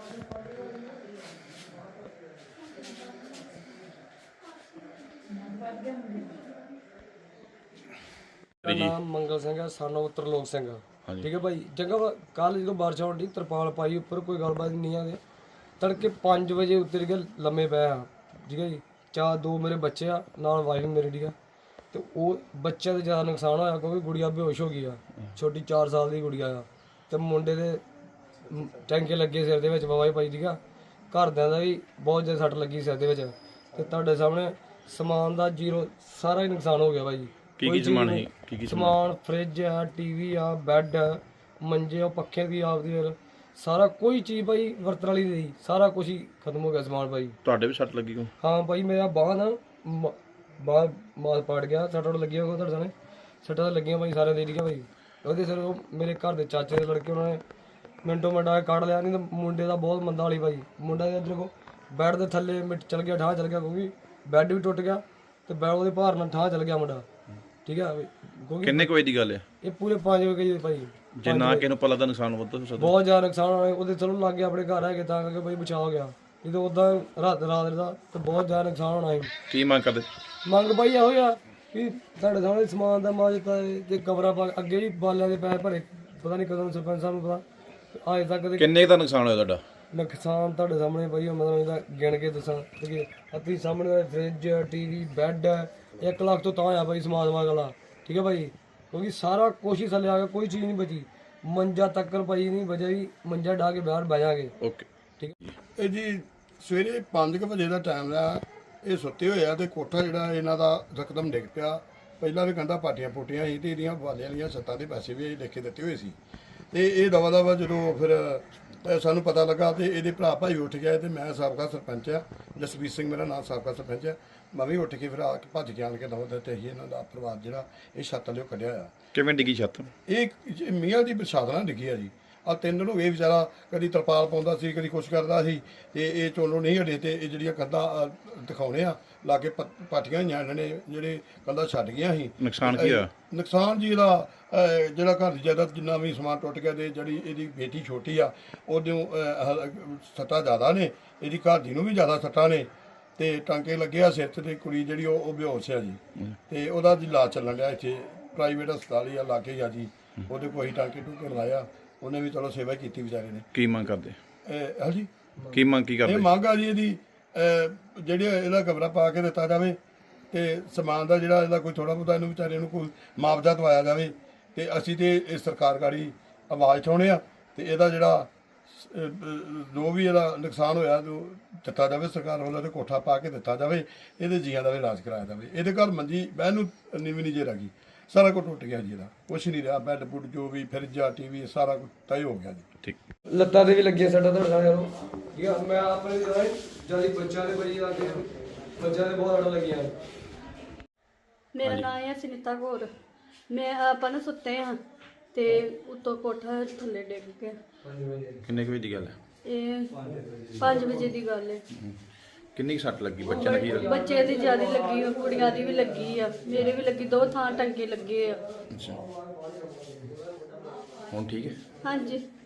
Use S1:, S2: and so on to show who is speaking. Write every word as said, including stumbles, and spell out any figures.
S1: नाम मंगल सिंह है, son of Trilok Singh. ठीक है भाई, जगह कल जो बारिश होनी तरपाल पाई उपर कोई गलबात नहीं है। तड़के पाँच बजे उतर के लम्बे पे हाँ। ठीक है जी, चार दो मेरे बच्चे आ नाल वाइफ मेरी। ठीक है, तो वो बच्चे का ज़्यादा नुकसान होया क्योंकि गुड़िया बेहोश हो गई आ, छोटी चार साल की गुड़िया आ। तो मुंडे दे टैंके लगे सिर दे विच बवाई पाई। ठीक है, घरदियां दा भी बहुत ज़्यादा सट लगी सिर दे विच। ते तुहाडे सामने समान का जीरो सारा ही नुकसान हो गया भाई।
S2: की की समान है? की की
S1: समान फ्रिज है, टीवी आ, बैड है, मंजे और पक्खे भी आपदी फिर सारा कोई चीज़ भाई वरतण वाली नहीं, सारा कुछ ही खत्म हो गया समान भाई।
S2: ਤੁਹਾਡੇ ਵੀ ਸੱਟ ਲੱਗੀ ਕੋ?
S1: हाँ भाई, मेरा बांह ना बांह माल पाट गया, सट्टा लगी होगा ਤੁਹਾਡੇ सामने सट्टा लगियां भाई सारे दे दिया भाई। ਉਹਦੇ ਸਿਰ ਉਹ ਮੇਰੇ ਘਰ ਦੇ ਚਾਚੇ ਦੇ ਲੜਕੇ ਉਹਨਾਂ ਨੇ ਮਿੰਟੋ ਮਿੰਟ ਆ ਕੱਢ ਲਿਆ, ਨਹੀਂ ਤਾਂ ਮੁੰਡੇ ਦਾ ਬਹੁਤ ਮੰਦਾ ਵਾਲੀ ਭਾਈ। ਮੁੰਡਾ ਇੱਧਰ ਕੋ ਬੈੱਡ ਦੇ ਥੱਲੇ ਮਿੱਟ ਚਲ ਗਿਆ, ਠਾਹ ਚਲ ਗਿਆ ਕਿਉਂਕਿ ਬੈੱਡ ਵੀ ਟੁੱਟ ਗਿਆ ਤੇ ਬੈੱਡ ਉਹਦੇ ਭਾਰ ਨਾਲ ਠਾਹ ਚਲ ਗਿਆ ਮੁੰਡਾ। ਠੀਕ ਹੈ, ਕਿਉਂਕਿ
S2: ਕਿੰਨੇ ਕੁ ਵਜੇ ਦੀ ਗੱਲ ਹੈ
S1: ਇਹ ਪੂਰੇ ਪੰਜ ਵਜੇ ਦੀ ਭਾਈ।
S2: ਜੇ ਨਾ ਕਿਸੇ ਨੂੰ ਪਤਾ ਦਾ ਨੁਕਸਾਨ ਵੱਧ ਹੋ ਸਕਦਾ,
S1: ਬਹੁਤ ਜ਼ਿਆਦਾ ਨੁਕਸਾਨ ਹੋਇਆ। ਉਹਦੇ ਚਲੋ ਲੱਗ ਗਿਆ ਆਪਣੇ ਘਰ ਹੈਗੇ ਤਾਂ ਕਰਕੇ ਭਾਈ ਬਚਾਅ ਹੋ ਗਿਆ, ਨਹੀਂ ਤਾਂ ਉੱਦਾਂ ਰਾਤ ਰਾਤ ਦਾ ਤਾਂ ਬਹੁਤ ਜ਼ਿਆਦਾ ਨੁਕਸਾਨ ਹੋਣਾ ਸੀ।
S2: ਕੀ ਮੰਗ ਕਰਦੇ?
S1: ਮੰਗ ਭਾਈ ਇਹੋ ਆ ਕਿ ਸਾਡੇ ਸਾਹਮਣੇ ਸਮਾਨ ਦਾ ਮਾਜਤਾ ਤੇ ਕਬਰਾਂ ਪਾ ਅੱਗੇ ਵੀ ਬਾਲਿਆਂ ਦੇ ਪੈਸੇ ਭਰੇ, ਪਤਾ ਨਹੀਂ ਕਦੋਂ ਸਰਪੰਚ ਸਾਹਿਬ ਨੂੰ ਪਤਾ ਅਜੇ ਤੱਕ ਦੇ
S2: ਕਿੰਨੇ ਦਾ ਨੁਕਸਾਨ ਹੋਇਆ ਤੁਹਾਡਾ?
S1: ਨੁਕਸਾਨ ਤੁਹਾਡੇ ਸਾਹਮਣੇ ਭਾਈ ਮਤਲਬ ਇਹਦਾ ਗਿਣ ਕੇ ਦੱਸਾਂ ਕਿ ਅੱਤੀ ਸਾਹਮਣੇ ਫ੍ਰਿਜ, ਟੀਵੀ, ਬੈੱਡ ਇੱਕ ਲੱਖ ਤੋਂ ਤਾਂ ਆ ਭਾਈ ਸਮਾਨ ਸਮਾਨ ਵਾਲਾ। ਠੀਕ ਹੈ ਭਾਈ, ਕਿਉਂਕਿ ਸਾਰਾ ਕੁਛ ਹੀ ਥੱਲੇ ਆ ਗਿਆ, ਕੋਈ ਚੀਜ਼ ਨਹੀਂ ਬਚੀ। ਮੰਜਾ ਤੱਕ ਭਾਈ ਨਹੀਂ ਬਚਿਆ ਜੀ, ਮੰਜਾ ਢਾ ਕੇ ਬਾਹਰ ਬਹਿ ਜਾਗੇ।
S2: ਓਕੇ,
S1: ਠੀਕ ਹੈ।
S3: ਇਹ ਜੀ ਸਵੇਰੇ ਪੰਜ ਕੁ ਵਜੇ ਦਾ ਟਾਈਮ ਆ, ਇਹ ਸੁੱਤੇ ਹੋਏ ਆ ਤੇ ਕੋਠਾ ਜਿਹੜਾ ਇਹਨਾਂ ਦਾ ਰਕਦਮ ਡਿੱਗ ਪਿਆ। ਪਹਿਲਾਂ ਵੀ ਕੰਧਾਂ ਪਾਟੀਆਂ ਪੋਟੀਆਂ ਸੀ ਤੇ ਇਹਦੀਆਂ ਵਾਲਿਆਂ ਵਾਲੀਆਂ ਛੱਤਾਂ ਦੇ ਪੈਸੇ ਵੀ ਲਿਖ ਕੇ ਦਿੱਤੇ ਹੋਏ ਸੀ। ਤੇ ਇਹ ਦਵਾ ਦਵਾ ਜਦੋਂ ਫਿਰ ਸਾਨੂੰ ਪਤਾ ਲੱਗਾ ਤੇ ਇਹਦੇ ਭਰਾ ਭਾਈ ਉੱਠ ਗਏ ਤੇ ਮੈਂ ਸਾਬਕਾ ਸਰਪੰਚ ਆ, ਜਸਵੀਰ ਸਿੰਘ ਮੇਰਾ ਨਾਮ, ਸਾਬਕਾ ਸਰਪੰਚ ਆ। ਮੈਂ ਵੀ ਉੱਠ ਕੇ ਫਿਰ ਆ ਕੇ ਭੱਜ ਕੇ ਆਣ ਕੇ ਦਵਾ ਦਿੱਤੇ ਸੀ ਇਹਨਾਂ ਦਾ ਪਰਿਵਾਰ ਜਿਹੜਾ ਇਹ ਛੱਤ ਲਿਓ ਕੱਢਿਆ ਆ।
S2: ਕਿਵੇਂ ਡਿੱਗੀ ਛੱਤ?
S3: ਇਹ ਮੀਆਂ ਦੀ ਪ੍ਰਸ਼ਾਦ ਨਾਲ ਡਿੱਗੀ ਆ ਜੀ। ਆ ਤਿੰਨ ਦਿਨ ਹੋ ਗਏ ਵਿਚਾਰਾ ਕਦੀ ਤਰਪਾਲ ਪਾਉਂਦਾ ਸੀ, ਕਦੀ ਕੁਛ ਕਰਦਾ ਸੀ ਤੇ ਇਹ ਚੋਲੋਂ ਨਹੀਂ ਹਟੇ। ਤੇ ਇਹ ਜਿਹੜੀਆਂ ਕੰਧਾਂ ਦਿਖਾਉਣੇ ਆ ਲਾਗੇ ਪਾਟੀਆਂ ਹੋਈਆਂ ਇਹਨਾਂ ਨੇ, ਜਿਹੜੇ ਕੰਧਾਂ ਛੱਡ ਗਈਆਂ ਸੀ।
S2: ਨੁਕਸਾਨ ਕੀ ਹੋਇਆ?
S3: ਨੁਕਸਾਨ ਜੀ ਇਹਦਾ ਜਿਹੜਾ ਘਰ ਦੀ ਜਾਇਦਾਦ ਜਿੰਨਾ ਵੀ ਸਮਾਨ ਟੁੱਟ ਗਿਆ ਤੇ ਜਿਹੜੀ ਇਹਦੀ ਬੇਟੀ ਛੋਟੀ ਆ ਉਹਦੇ ਸੱਟਾਂ ਜ਼ਿਆਦਾ ਨੇ, ਇਹਦੀ ਘਰ ਦੀ ਨੂੰ ਵੀ ਜ਼ਿਆਦਾ ਸੱਟਾਂ ਨੇ ਤੇ ਟਾਂਕੇ ਲੱਗੇ ਆ ਸਿਰ 'ਚ। ਤੇ ਕੁੜੀ ਜਿਹੜੀ ਉਹ ਉਹ ਬੇਹੋਸ਼ ਆ ਜੀ ਤੇ ਉਹਦਾ ਜੀ ਇਲਾਜ ਚੱਲਣ ਡਿਆ ਇੱਥੇ ਪ੍ਰਾਈਵੇਟ ਹਸਪਤਾਲ ਹੀ ਆ ਲਾਗੇ ਹੀ ਆ ਜੀ। ਉਹਦੇ ਕੋਈ ਟਾਂਕੇ ਟੂਕੇ ਲਾਇਆ, ਉਹਨੇ ਵੀ ਚਲੋ ਸੇਵਾ ਕੀਤੀ ਵਿਚਾਰੇ ਨੇ।
S2: ਕੀ ਮੰਗ ਕਰਦੇ?
S3: ਹਾਂਜੀ,
S2: ਕੀ ਮੰਗ ਕੀ ਕਰਦੇ?
S3: ਇਹ ਮੰਗ ਆ ਜੀ ਇਹਦੀ ਜਿਹੜੀ ਇਹਦਾ ਕਮਰਾ ਪਾ ਕੇ ਦਿੱਤਾ ਜਾਵੇ ਤੇ ਸਮਾਨ ਦਾ ਜਿਹੜਾ ਇਹਦਾ ਕੋਈ ਥੋੜਾ ਬਹੁਤਾ ਇਹਨੂੰ ਵਿਚਾਰੇ ਨੂੰ ਕੋਈ ਮੁਆਵਜ਼ਾ ਦਵਾਇਆ ਜਾਵੇ। ਤੇ ਅਸੀਂ ਤੇ ਇਹ ਸਰਕਾਰਕਾਰੀ ਆਵਾਜ਼ ਉਠਾਉਣੇ ਆ ਤੇ ਇਹਦਾ ਜਿਹੜਾ ਜੋ ਵੀ ਇਹਦਾ ਨੁਕਸਾਨ ਹੋਇਆ ਜੋ ਦਿੱਤਾ ਜਾਵੇ ਸਰਕਾਰ ਵੱਲੋਂ, ਤੇ ਕੋਠਾ ਪਾ ਕੇ ਦਿੱਤਾ ਜਾਵੇ, ਇਹਦੇ ਜੀਆਂ ਦਾ ਵੀ ਇਲਾਜ ਕਰਾਇਆ ਜਾਵੇ। ਇਹਦੇ ਘਰ ਮੰਜੀ ਬਹਿਣ ਨੂੰ ਨੀਵੀਂ ਨਹੀਂ ਜੇ ਲੱਗੀ, ਸਾਰਾ ਕੁਝ ਟੁੱਟ ਗਿਆ ਜੀ, ਇਹਦਾ ਕੁਛ ਨਹੀਂ ਰਿਹਾ। ਬੈੱਡ ਬੁੱਡ ਜੋ ਵੀ ਫਰਿੱਜਾ ਟੀਵੀ ਸਾਰਾ ਕੁਝ ਤੈਅ ਹੋ ਗਿਆ ਜੀ।
S2: ਠੀਕ,
S1: ਲੱਤਾਂ ਤੇ ਵੀ ਲੱਗੀਆਂ ਸਾਡਾ ਤੁਹਾਡੇ ਨਾਲ। ਠੀਕ ਆ, ਮੈਂ ਆਪਣੇ ਜਿਆਦਾ ਬੱਚਿਆਂ ਦੇ ਬੜੀ ਆ ਕੇ ਬੱਚਿਆਂ ਦੇ ਬਹੁਤ ਅੜ ਲੱਗੀਆਂ।
S4: ਮੇਰਾ ਨਾਮ ਹੈ ਸੁਨੀਤਾ ਕੌਰ। ਮੈਂ ਆਪਾਂ ਨੂੰ ਸੁੱਤੇ ਹਾਂ ਤੇ ਉੱਤੋਂ ਕੋਠਾ ਥੱਲੇ ਡਿੱਗ ਗਿਆ।
S2: ਕਿੰਨੇ ਕੁ ਵਜੇ ਦੀ ਗੱਲ ਹੈ?
S4: ਇਹ ਪੰਜ ਵਜੇ ਦੀ ਗੱਲ ਹੈ।
S2: ਕਿੰਨੀ ਕੁ ਸੱਟ ਲੱਗੀ ਬੱਚਿਆਂ ਨੂੰ? ਕੀ
S4: ਬੱਚੇ ਦੀ ਜ਼ਿਆਦਾ ਲੱਗੀ ਆ, ਕੁੜੀਆਂ ਦੀ ਵੀ ਲੱਗੀ ਆ, ਮੇਰੇ ਵੀ ਲੱਗੀ, ਦੋ ਥਾਂ ਟੰਗੇ ਲੱਗੇ ਆ।
S2: ਅੱਛਾ, ਹੁਣ ਠੀਕ ਹੈ?
S4: ਹਾਂਜੀ।